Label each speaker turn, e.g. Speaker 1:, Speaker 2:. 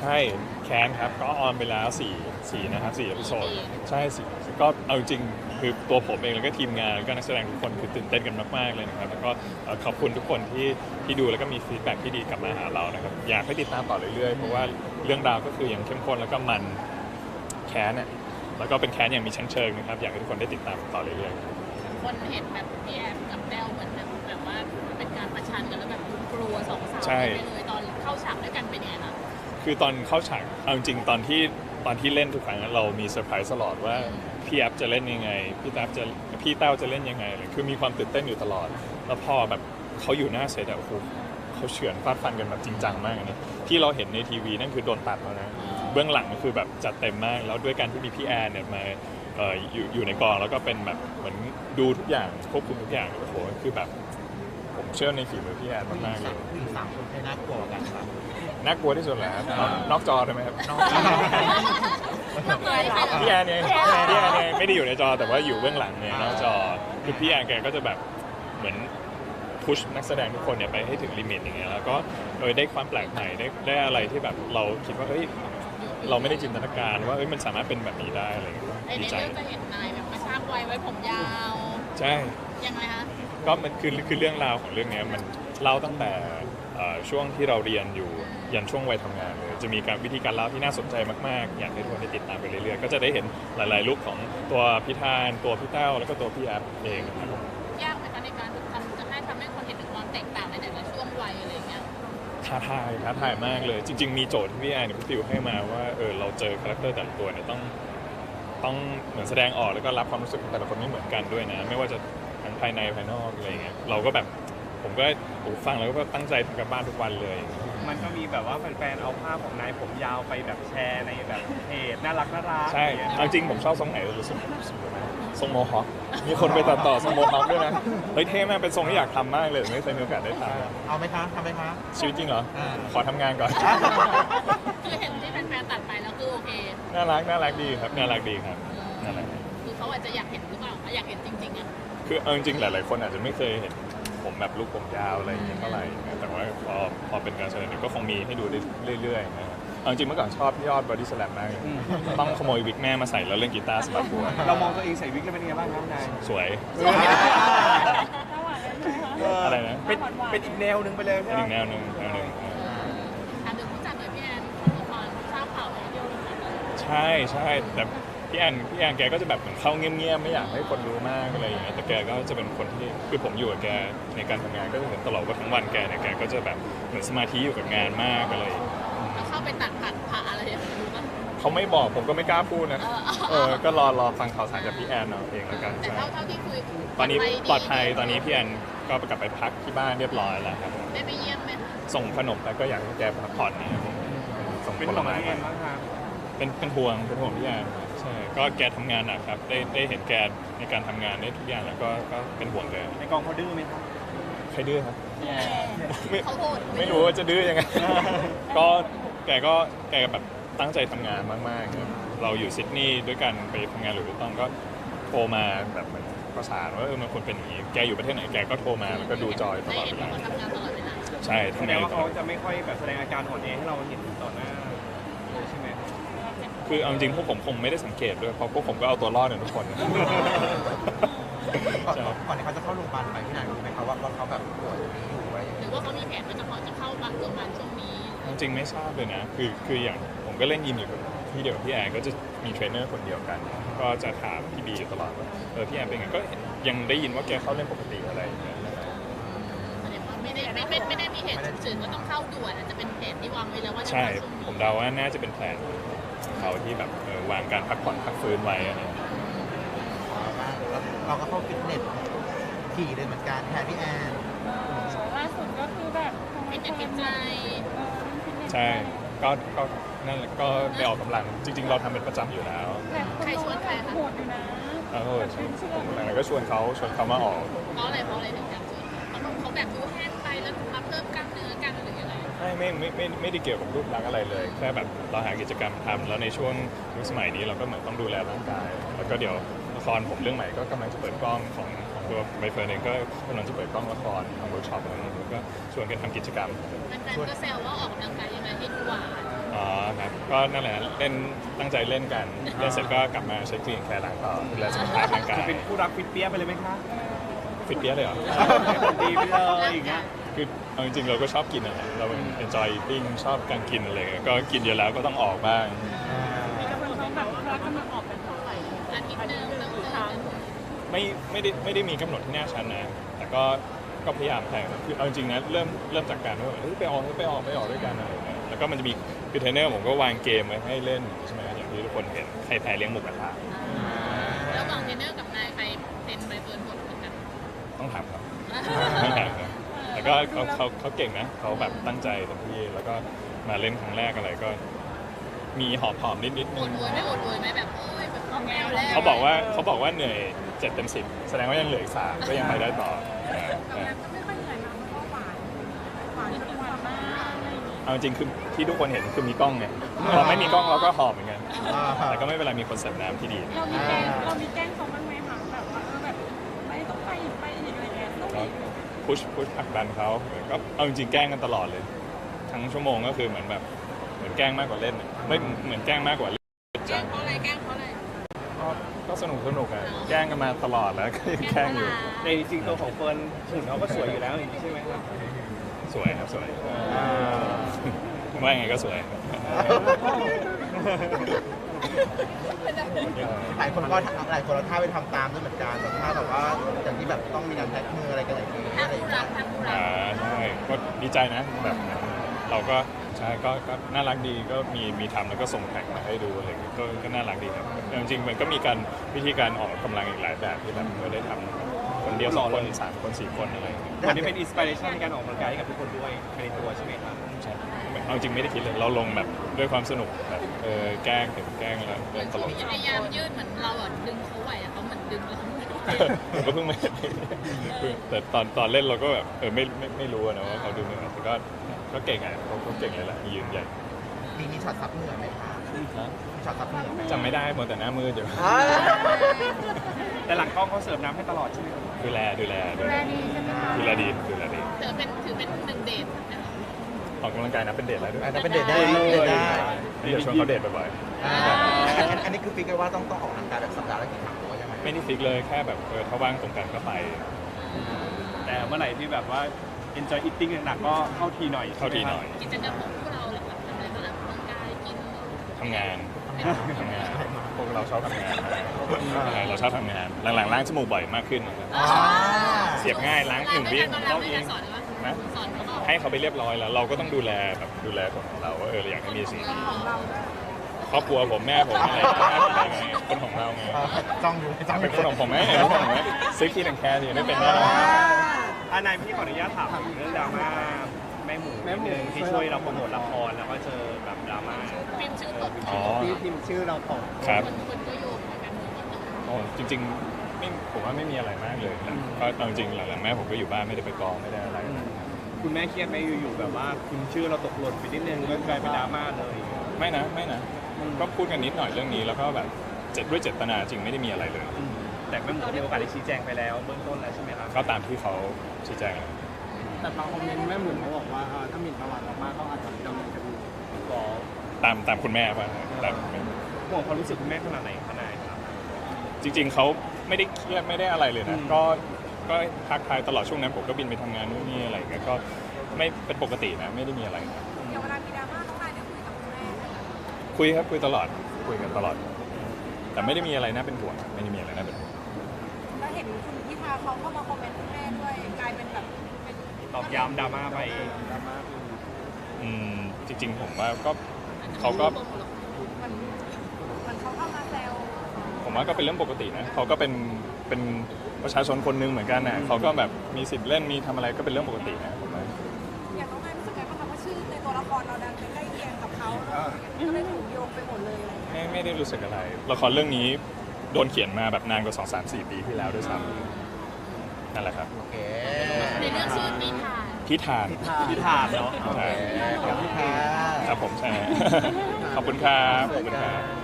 Speaker 1: ใช่แคนครับก็ออนไปแล้ว4นะครับ4 เอพิโซดใช่สิก็เอาจริงคือตัวผมเองแล้วก็ทีมงานแล้วก็นักแสดงทุกคนคือตื่นเต้นกันมากๆเลยนะครับแล้วก็ขอบคุณทุกคนที่ดูแล้วก็มีฟีดแบ็กที่ดีกลับมาหาเรานะครับอยากให้ติดตามต่อเรื่อยๆเพราะว่าเรื่องราวก็คือยังเข้มข้นแล้วก็มันแคนเนี่ยแล้วก็เป็นแคนอย่างมีชั้นเชิงนะครับอยากให้ทุกคนได้ติดตามต่อเรื่อยๆ
Speaker 2: คนเห็นแบบพี่แอมกับแต้วเหมือนแบบว่าเป็นการประชันกันแล้วแบบกลัวสองสาว
Speaker 1: ใช่
Speaker 2: ไปเลยตอนเข้าฉากด้วยกันเป็นยังไงคะ
Speaker 1: คือตอนเข้าฉากเอาจริงตอนที่เล่นทุกครั้งเรามีเซอร์ไพรส์ตลอดว่าพี่แอฟจะเล่นยังไงพี่แต้วจะเล่นยังไงเลยคือมีความตื่นเต้นอยู่ตลอดแล้วพอแบบเขาอยู่หน้าเซตอะโอ้โหเขาเฉือนฟาดฟันกันแบบจริงจังมากอันนี้ที่เราเห็นในทีวีนั่นคือโดนตัดแล้วนะเบื้องหลังก็คือแบบจัดเต็มมากแล้วด้วยการที่มีพี่แอนเนี่ยมาอยู่ในกองแล้วก็เป็นแบบเหมือนดูทุกอย่างควบคุมทุกอย่างโอ้โหคือแบบผมเชื่อในฝีมือพี่แอนมากๆเลย
Speaker 3: ผู้หญิงสามคนให้น่ากลัวกันครับ
Speaker 1: น่ากลัวที่สุดแหละครับนอกจอใช่ไหมครับ
Speaker 2: น้องเนยใครเหรอ
Speaker 1: พี่แอนเนี่ยไม่ได้อยู่ในจอแต่ว่าอยู่เบื้องหลังเนี่ยนอกจอคือพี่แอนแกก็จะแบบเหมือนพุชนักแสดงทุกคนเนี่ยไปให้ถึงลิมิตอย่างเงี้ยแล้วก็โดยได้ความแปลกใหม่ได้อะไรที่แบบเราคิดว่าเฮ้ยเราไม่ได้จินตนาการว่าเฮ้ยมันสามารถเป็นแบบนี้ได้อะไรเงี้ย
Speaker 2: ใน
Speaker 1: ดีใจ
Speaker 2: เรื่องจะเห็นนายแบบกระชากไว้ผมยาว
Speaker 1: ใช่
Speaker 2: ยังไงคะ
Speaker 1: ก็มันคือเรื่องราวของเรื่องเนี้ยมันเล่าตั้งแต่ช่วงที่เราเรียนอยู่ยันช่วงวัยทำงานเลยจะมีการวิธีการเล่าที่น่าสนใจมากๆอยากให้ทุกคนได้ติดตามไปเรื่อยๆก็จะได้เห็นหลายๆลุคของตัวพี่ธานตัวพี่แต้วแล้วก็ตัวพี่แอฟเองนะครับผม
Speaker 2: ยากไหมคะในการทำให้คนเห็นถึงความแตกต่างในแต่ละช่วงวัยอะไรอย่างเงี้ย
Speaker 1: ท้าทายมากเลยจริงๆมีโจทย์ที่พี่แอนเนี่ยพี่ฟิวให้มาว่าเราเจอคาแรคเตอร์แต่ละตัวเนี่ยต้องเหมือนแสดงออกแล้วก็รับความรู้สึกของแต่ละคนไม่เหมือนกันด้วยนะไม่ว่าจะทั้งภายในภายนอกอะไรอย่างเงี้ยเราก็แบบผมก็ฟังแล้วก็ตั้งใจทำการบ้านทุกวันเลย
Speaker 4: มันก็มีแบบว่าแฟนๆเอาภาพของนายผมยาวไปแบบแชร์ในแบบเพจน่ารัก
Speaker 1: ใช่เอาจริงผมชอบทรงไหนรู้สึกทรงโมฮอคมีคนไปตัดต่อทรงโมฮอคด้วยนะเฮ้ยเท่มากเป็นทรงที่อยากทำมากเลยไม่เคยมีโอกาสได้ท
Speaker 3: เอาไหมคะทำไหมคะ
Speaker 1: ำชีวิตจริงเหรอขอทำงานก่อน
Speaker 2: คือเห็นที่แฟนๆตัดไปแล้วคือโอเค
Speaker 1: น่ารักดีครับน่ารักดีครับนั่นแหละ
Speaker 2: คือเขาอาจจะอยากเห็นหรือเปล่าอยากเห็นจริงๆอ่ะ
Speaker 1: คือเอาจริงๆหลายๆคนอาจจะไม่เคยเห็นผมแบบลูกผมยาวอะไรอย่างเงี้ยเท่าไหร่นะแต่ว่าพอเป็นการแสดงเนี่ยก็คงมีให้ดูได้เรื่อยๆนะครับเอาจริงๆเมื่อก่อนชอบพี่ยอดบอดี้สแลมมากเลยต้องขโมยวิกแม่มาใส่แล้วเล่นกีตาร์สะบัดหัว
Speaker 4: เรามองตัวเองใส่วิกแล้วเป็นยังไงบ้างครับนาย
Speaker 1: สวยอะไรนะ
Speaker 4: เป็นอีกแนวหนึ่งไปเลย
Speaker 1: เป็
Speaker 4: ใช่
Speaker 1: น
Speaker 4: ไหม
Speaker 1: อีกแนวหนึ่ง
Speaker 2: ถามถึงผู้จัดหน่อยพี่แอนเขาบอกว่าทราบข่าวอะไรเดียวเลยนะ
Speaker 1: ใช่แต่พี่แอนแกก็จะแบบเหมือนเข้าเงียบๆไม่อยากให้คนรู้มากอะไรอย่างเงี้ยแต่แกก็จะเป็นคนที่คือผมอยู่กับแกในการทำงานก็จะเห็นตลอดว่าทั้งวันแกเนี่ยแกก็จะแบบเหมือนสมาธิอยู่กับงานมากอะไรอย่างเงี้ย
Speaker 2: แล้วเข้าไปตัดผ่าอะไรอย่างเงี้ยรู้ป่ะ
Speaker 1: เขาไม่บอกผมก็ไม่กล้าพูดนะ
Speaker 2: เออ
Speaker 1: ก็รอฟังข่าวสารจากพี่แอนเอาเองแล้วกัน
Speaker 2: แต่
Speaker 1: ใช่
Speaker 2: เท่าที่คุย
Speaker 1: ตอนนี้ปลอดภัย
Speaker 2: ดี
Speaker 1: ตอนนี้พี่แอนก็กลับไปพักที่บ้านเรียบร้อยแล้วครับ
Speaker 2: ได้ไปเยี่ยมไหม
Speaker 1: ส่งขนมแล้วก็อยากให้แกพักผ่อนนะครับส่ง
Speaker 4: เป็น
Speaker 1: ผ
Speaker 4: ข
Speaker 1: ล
Speaker 4: อง
Speaker 1: ไม้
Speaker 4: พี่แอนบ้างครับ
Speaker 1: เป็นห่วงพี่แอนใช่ก็แกทำงานหนักครับได้เห็นแกในการทำงานได้ทุกอย่างแล้วก็เป็นห่วงแก
Speaker 4: ในกองเขาดื้อไหมครับ
Speaker 1: ใครดื้อครับไม่
Speaker 2: เขาโหด
Speaker 1: ไม่รู้ว่าจะดื้อยังไง ก็แกแบบตั้งใจทำงานมากๆครับเราอยู่ซิดนีย์ด้วยกันไปทำงานหรือวิตตองก็โทรมาแบบเหมือนประสานว่ามันควรเป็นอย่างนี้แกอยู่ประเทศไหนแกก็โทรมาแล้วก็ดูจอยต
Speaker 2: ได้
Speaker 1: ลอด
Speaker 2: เห็น
Speaker 1: เว
Speaker 2: ว่า
Speaker 1: ลา
Speaker 2: เขาทำงานตลอดเวลา
Speaker 1: ใช่
Speaker 4: แส
Speaker 1: ทำ
Speaker 4: ด
Speaker 1: งาง น
Speaker 4: ว่าเขาจะไม่ค่อยแบบแสดงอาการอ่อนแอให้เราเห็นต่อหน้าเลยใช่ไหม
Speaker 1: คือเอาจริงพวกผมคงไม่ได้สังเกตด้วยเพราะพวกผมก็เอาตัวรอดกันทุกคน
Speaker 3: ก่อน
Speaker 1: ใช่
Speaker 3: ก่อนที่เขาจะเข้าโรงพยาบาลไปพี่นายรู้ไหมครับว่าเขาแบบป่วยนี้อยู่อะไรอย่าง
Speaker 2: ห
Speaker 3: เงี้ย
Speaker 2: รือว่าเขามีแผนว่าจะเข้าโรงพยาบาลช่วงนี้
Speaker 1: จริงๆไม่ทราบเลยนะคืออย่างผมก็เล่นยิมอยู่กับที่เดียวกับพี่แอนก็จะมีเทรนเนอร์คนเดียวกัน ก็จะถามพี่บีอยู่ตลอดว่าพี่แอนเป็นไงก็ยังได้ยินว่าแกเข้าเล่นปกติอะไรอย่างเงี้ย
Speaker 2: แสดงว่าไม่ได้มีเหตุฉุกเฉินว่าต้องเข้าด่วนอาจจะเป็นแผนที่วางไว้แล้วว่าจะ
Speaker 1: ใช่
Speaker 2: เข้าช่วงนี้
Speaker 1: ผมเดาว่าน่าจะเป็นแผนของเขาที่แบบวางการพักผ่อนพักฟื้นไว้อะไรอย่างเงี้ย
Speaker 3: เราก็เข้าฟิตเนสขี่เลยเหมือนกันแทนพี่แอน
Speaker 5: ล่าสุดก็คือแบบทำไม
Speaker 2: เป็น
Speaker 5: ค
Speaker 2: จิ
Speaker 5: น
Speaker 2: ตใจ
Speaker 1: ใช่ก็นั่นแหละก็ไปออกกำลังจริง ๆ เราทำเป็นประจำอยู่แล้ว
Speaker 5: แต่คนรู้ว่าแบบโหดอยู่นะ
Speaker 1: ผมแล้วก็ชวนเขามาออก
Speaker 2: เพราะอะไรถึงอยากชวนเขาแบบดูแห้งไปแล้วมาเพิ่มกล้ามเนื้อกันหรือยังไง
Speaker 1: ไม่ได้เกี่ยวกับรูปลักษณ์อะไรเลยแค่แบบเราหากิจกรรมทำแล้วในช่วงยุคสมัยนี้เราก็เหมือนต้องดูแลร่างกาย แล้วก็เดี๋ยวละครผมเรื่องใหม่ก็กำลังจะเปิดกล้องของตัวใบเฟิร์นเองก็กำลังจะเปิดกล้องละครทำเวิร์กช็อปอะไรอย่างเงี้ยแล้วก็ชวนกันทำกิจกรรม
Speaker 2: แฟนๆก็แซวว่าออกกำลังกายยังไงให้ดูหวาน
Speaker 1: อ๋อคก็นั่นแหละเล่นตั้งใจเล่นกันเล่นเสร็จก็กลับมาใช้คลีนแคร์ล้างต่อดูแลสุขภาพร่างกาย
Speaker 4: จะเป็นคู่รักฟิตเปี้ยไปเลยไหมคะ
Speaker 1: ฟิตเปี้ยเลยเหรอ
Speaker 4: ให้มันดีไปเลยอย่างเงี้ย
Speaker 1: คือเอาจริงๆเราก็ชอบกินอะไรเราเป็น enjoy eating ชอบการกินอะไรเงี้ยก็กินเยอะแล้วก็ต้องออกบ้าง
Speaker 5: มีกำลังท้องแบบรักกำลังออกเป็นเท่าไหร่
Speaker 2: อาทิตย์หนึงต้องเจอ
Speaker 1: ไม่ได้มีกำหนดที่แน่ชัดนะแต่ก็พยายามแข่งคือเอาจริงๆนะเริ่มจากการว่าไปออกด้วยกันอะไรเงี้ยแล้วก็มันจะมีคือเทรนเนอร์ผมก็วางเกมไว้ให้เล่นใช่ไหมอย่างที่ทุกคนเห็นใครแพ้เลี้ยงหมูกระทะ
Speaker 2: ระหว่างเทรนเนอร์กับนายใครเป็นใบเฟิร์นหมดเหมือนกัน
Speaker 1: ต้องถามครับต้องถามครับแต่ก็เขาเก่งนะเขาแบบตั้งใจเต็มที่แล้วก็มาเล่นครั้งแรกอะไรก็มีหอบนิด
Speaker 2: อดอวยไหมแบบโอ้ยแบบเอาแมวแล้ว
Speaker 1: เขาบอกว่าเหนื่อย7 เต็ม 10แสดงว่ายังเหลืออีก3ก็ยังไปได้ต่อ
Speaker 5: ไม่ค่อยเหนื่อยมากเพราะว่าหวานทุกวันมากอะไรอย่างงี้
Speaker 1: เอาจริงคือที่ทุกคนเห็นคือมีกล้องไงพอไม่มีกล้องเราก็หอบเหมือนกันแต่ก็ไม่เป็นไรมีคนเสิร์ฟน้ำที่ดี
Speaker 5: เรามีแกล้งเขาบ้างไหมคะแบบว่าแบบไม่ต้องไปอีกอะไรเงี้ยต้อง
Speaker 1: ก็
Speaker 5: อีก
Speaker 1: พุชผลักดันเขาก็เอาจริงๆแกล้งกันตลอดเลย ทั้งชั่วโมงก็คือเหมือนแกล้งมากกว่าเล่นอะไม่เหมือนแกล้งมากกว่าเล่น
Speaker 2: แกล้งเพราะอะไร
Speaker 1: ก็สนุกอ่ะแกล้งกันมาตลอดแล้วก็ยังแกล้งอยู่
Speaker 4: ในจริงตัวของเฟิร์นหุ่นเขาก็สวยอยู่แล้วอย่างนี้ใช่ไหมครับ
Speaker 1: สวยครับสวยว่าไงก็สวย
Speaker 3: หลายคนเราท่าไปทำตามด้วยเหมือนกันแบบท่าแบบว่าอย่างที่แบบต้องมีการแท็กมืออะไรกันอย่างนี้
Speaker 2: ถ้า
Speaker 3: อะไรอ
Speaker 2: คู่
Speaker 3: ย่าง
Speaker 2: รั
Speaker 3: เงี้
Speaker 2: ก
Speaker 3: ย
Speaker 2: ถ้าคู่รัก
Speaker 1: ใช่ก็ดีใจนะแบบเราก็ใช่ก็น่ารักดีก็มีทำแล้วก็ส่งแท็กมาให้ดูอะไรอย่างเงี้ยก็น่ารักดีครับจริงๆมันก็มีการวิธีการออกกำลังอีกหลายแบบที่แบบไม่ได้ทำคนเดียว2 คน3 คน 4 คนอะไรอย่างเงี้ย
Speaker 4: วันนี้เป็นอินสปิเรชันในการออกกำลังกายให้กับทุกคนด้วยภายในตัวใช่ไหมครับ
Speaker 1: ใช่เอาจริงไม่ได้คิดเลยเราลงแบบด้วยความสนุกแบบแกล้งแล้ว
Speaker 2: เหมือน
Speaker 1: ตลก
Speaker 2: พยายามยืดเหมือนเราอ่ะดึงเขาไหวอะเขาเหมือนดึงเรา
Speaker 1: ผมก็เพิ่งไม่แต่ตอนเล่นเราก็แบบไม่รู้อะนะว่าเขาดูเหนื่อยแต่ก็เก่งอ่ะเขาเก่งเลยแหละยืนใหญ่
Speaker 3: มีช็อตซับเหงื่อไหมคะมีช็อตซับเหงื่อไหม
Speaker 1: จำไม่ได้หมดแต่หน้ามืดอยู่
Speaker 4: แต่หลังกล้องเขาเสิร์ฟน้ำให้ตลอดใช่ไหมครับ
Speaker 1: ดูแล
Speaker 5: ดูแลดีใช่ไหมคะ
Speaker 1: ดูแลดี
Speaker 2: ถือเป็นหนึ่งเดทนะคะ
Speaker 1: ออกกำลังกายนะเป็นเดทแล้วด้วย
Speaker 3: อันนั้นเป็นเดทได้เดทได้
Speaker 1: เดี๋ยวชวนเขาเดทบ่อย
Speaker 3: อันนี้คือฟิกกันว่าต้องออกกำลังกายแบบสัปดาห์ละกี่ครั้งหรือว่ายังไง
Speaker 1: ๆไม่ได้ฟิกเลยแค่แบบถ้าว่างตรงกันก็ไป
Speaker 4: แต่เมื่อไหร่ที่แบบว่า enjoy eating หนักๆก็เข้าทีหน่อย
Speaker 1: เข้าทีหน่อย
Speaker 2: กิจกรรมของพวกเราหลักๆทำอะไรบ้างออกกำลังกายกิน
Speaker 1: ทำงานพวกเราชอบทำงานเราชอบทำงานหลังๆล้างจมูกบ่อยมากขึ้นนะครับเสียบง่ายล้าง1 วิ
Speaker 2: เรา
Speaker 1: เรา
Speaker 2: ไม่
Speaker 1: เอ
Speaker 2: ได้
Speaker 1: ง
Speaker 2: สอนเลยว่า
Speaker 1: นะ
Speaker 2: สอนเขาบอก
Speaker 1: ให้เขาไปเรียบร้อยแล้ว เราก็ต้องดูแลของเราว่าเราอยากให้มีสี
Speaker 5: ของเราด้วย
Speaker 1: ครอบครัวผมแม่ผมอะไรไงคนของเราไง
Speaker 3: จ้องดูจ้อง
Speaker 1: เป็นคนของผมไหมเป็นคนของผมไหมซื้อคีนแอนแคร์อยู่ไม่เป็นได้
Speaker 4: นายพี่ขออนุญาตถามถึงเรื่องดราม่าแม่หมูนิดนึงที่ช่วยเราโปรโมทละครแล้วก็เจอแบบดราม่า
Speaker 2: พิมพ์ชื่อตก
Speaker 1: อ๋อ
Speaker 4: ที่พิมพ์ชื่อเราตก
Speaker 1: ครับ
Speaker 2: คนก็โยงเหมือนกันหมด
Speaker 1: โอ้จริงๆผมว่าไม่มีอะไรมากเลยนะก็เอาจริงหลังๆแม่ผมก็อยู่บ้านไม่ได้ไปกองไม่ได้อะไร
Speaker 4: คุณแม่เครียดไหมอยู่ๆแบบว่าพิมพ์ชื่อเราตกหล่นไปนิดนึงก็กลายเป็นดราม่าเลย
Speaker 1: ไม่นะก็พูดกันนิดหน่อยเรื่องนี้แล้วก็แบบด้วยเจตนาจริงไม่ได้มีอะไรเลย
Speaker 4: แต่แม่หมูมีโอกาสได้ชี้แจงไปแล้วเบื้องต้นแล้วใช่ไหมครับ
Speaker 1: ก็ตามที่เขาชี้แจง
Speaker 6: แต่บางคอมเมนต์แม่หมุนเขาบอกว่าถ้าหมิ่นประวัติเรามากเขาอาจจะดำเนินคดี
Speaker 4: ก็
Speaker 1: ตามคุณแม่ป่ะตาม
Speaker 4: ห่วงความรู้สึกคุณแม่ขนาดไหนขนาดครับ
Speaker 1: จริงๆเขาไม่ได้เครียดไม่ได้อะไรเลยนะก็ทักทายตลอดช่วงนั้นผมก็บินไปทำงานนู่นนี่อะไรอย่างเงี้ยก็ไม่เป็นปกตินะไม่ได้มีอะไรนะ
Speaker 5: อย่างเวลามีดราม่าต้องนายได้คุยกับคุณแม่
Speaker 1: คุยครับคุยตลอดคุยกันตลอด แต่ไม่ได้มีอะไรน่าเป็นห่วงไม่ได้มีอะไรน่าเป็นห่วง
Speaker 5: แล้วเห็นคุณพิธาเขาเข้ามาคอมเมนต์คุณแม่ด้วยกลายเป็นแบบเป็น
Speaker 4: ตอบย้ำดราม่าไป
Speaker 6: ดราม่าคือ
Speaker 1: จริงๆผมว่าก็เขาก็
Speaker 5: มันเขาเข้ามาแซว
Speaker 1: ผมว่าก็เป็นเรื่องปกตินะเขาก็เป็นประชาชนคนหนึงเหมือนกันนะเขาก็แบบมีสิทธิ์เล่นมีทำอะไรก็เป็นเรื่องปกตินะผมว่า
Speaker 5: อย่างน้องนายรู้สึกไงบ้างคะว่าชื่อในตัวละครเราดันไปใกล้เคียงกับเขาก็เลยถูกโยงไปหมดเลยอะไรอย่างเงี้ย
Speaker 1: ไม่ได้รู้สึกอะไรละครเรื่องนี้โดนเขียนมาแบบนานกว่า2-3-4 ปีที่แล้วด้วยซ้ำนั่นแหละครับ
Speaker 3: โอเค
Speaker 2: ในเรื่องชื่อนิทาน
Speaker 1: พิธาน
Speaker 4: ที่ถามเนาะ
Speaker 1: ใช่
Speaker 3: ขอบคุณค่ะ
Speaker 1: ครับผมใช่ ขอบคุณครับขอบคุณครับ